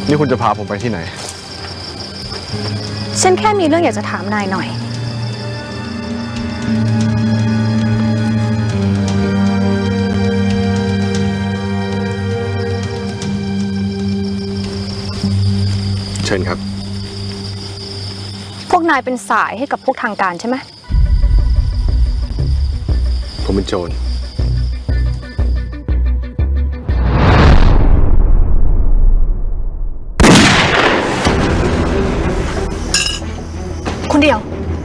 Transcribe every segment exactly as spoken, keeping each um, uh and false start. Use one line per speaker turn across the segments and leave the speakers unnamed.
นี่คุณจะพาผมไปที่ไหน
ฉันแค่มีเรื่องอยากจะถามนายหน่อย
เชิญครับ
พวกนายเป็นสายให้กับพวกทางการใช่ไหม
ผมเป็นโจร
คนเดียว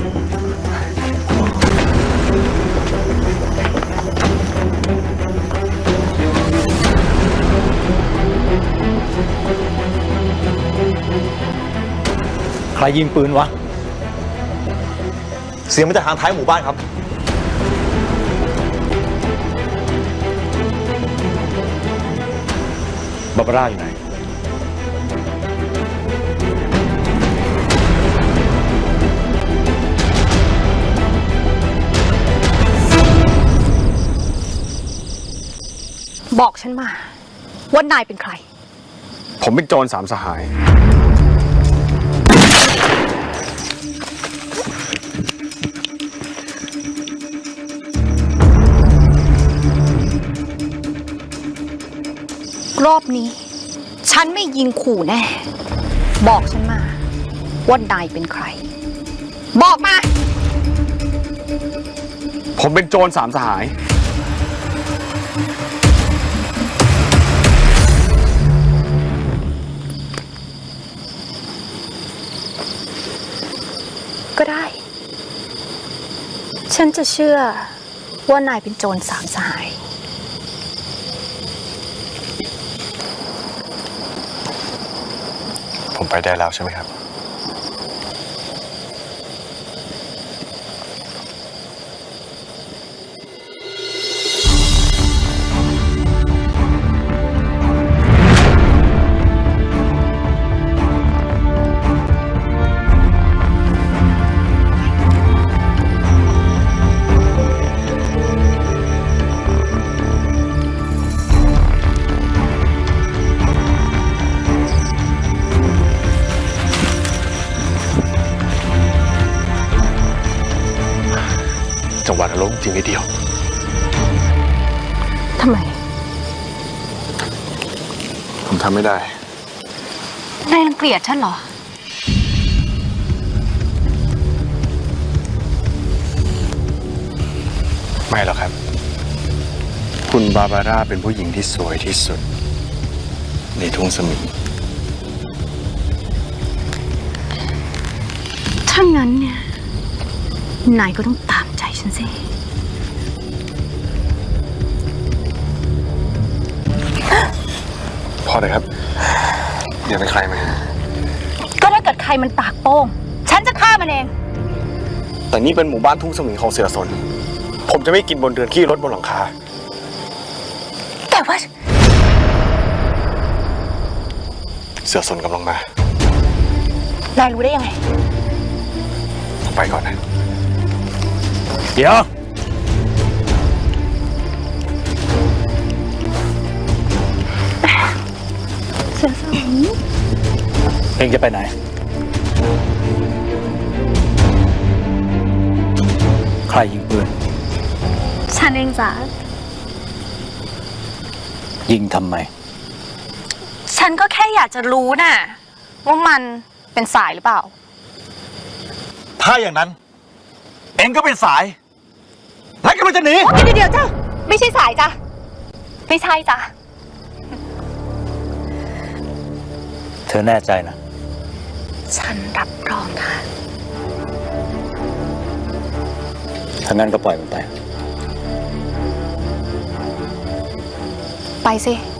ใครยิงปืนวะเสียงมาจากทางท้ายหมู่บ้านครับบาบาร่าอยู่ไหน
บอกฉันมาว่านายเป็นใคร
ผมเป็นโจรสามสหาย
รอบนี้ฉันไม่ยิงขู่แน่บอกฉันมาว่านายเป็นใครบอกมา
ผมเป็นโจรสามสหาย
ก็ได้ฉันจะเชื่อว่านายเป็นโจรสามสหาย
ผมไปได้แล้วใช่ไหมครับจังหวัดอารมณ์จริงนิดเดียว
ทำไม
ผมทำไม่ได้
นายรังเกียจฉันเหรอ
ไม่หรอกครับคุณบาบาร่าเป็นผู้หญิงที่สวยที่สุดในทุ่งสมิง
ถ้างั้นเนี่ยนายก็ต้องตามใจฉันสิ
พอเลยครับอย่าเป็นใครมา
ก็ถ้าเกิดใครมันปากโป้งฉันจะฆ่ามันเอง
แต่นี่เป็นหมู่บ้านทุ่งสมิงของเสือสนผมจะไม่กินบนเรือนขี้รถบนหลังคา
แต่ว่า
เสือสนกำลังม
านายรู้ได้ยังไง
ผมไปก่อนนะ
เดี๋ยว
เสือสมิง
เองจะไปไหนใครยิงปืน
ฉันเองจ้ะ
ยิงทำไม
ฉันก็แค่อยากจะรู้น่ะว่ามันเป็นสายหรือเปล่า
ถ้าอย่างนั้นเองก็เป็นสายแล้วก็มันจะหนี
เดี๋ยวเดี๋ยวจ้ะไม่ใช่สายจ้ะไม่ใช่จ้ะ
เธอแน่ใจนะ
ฉันรับรองค่ะ
ถ้างั้นก็ปล่อยมันไป
ไปสิ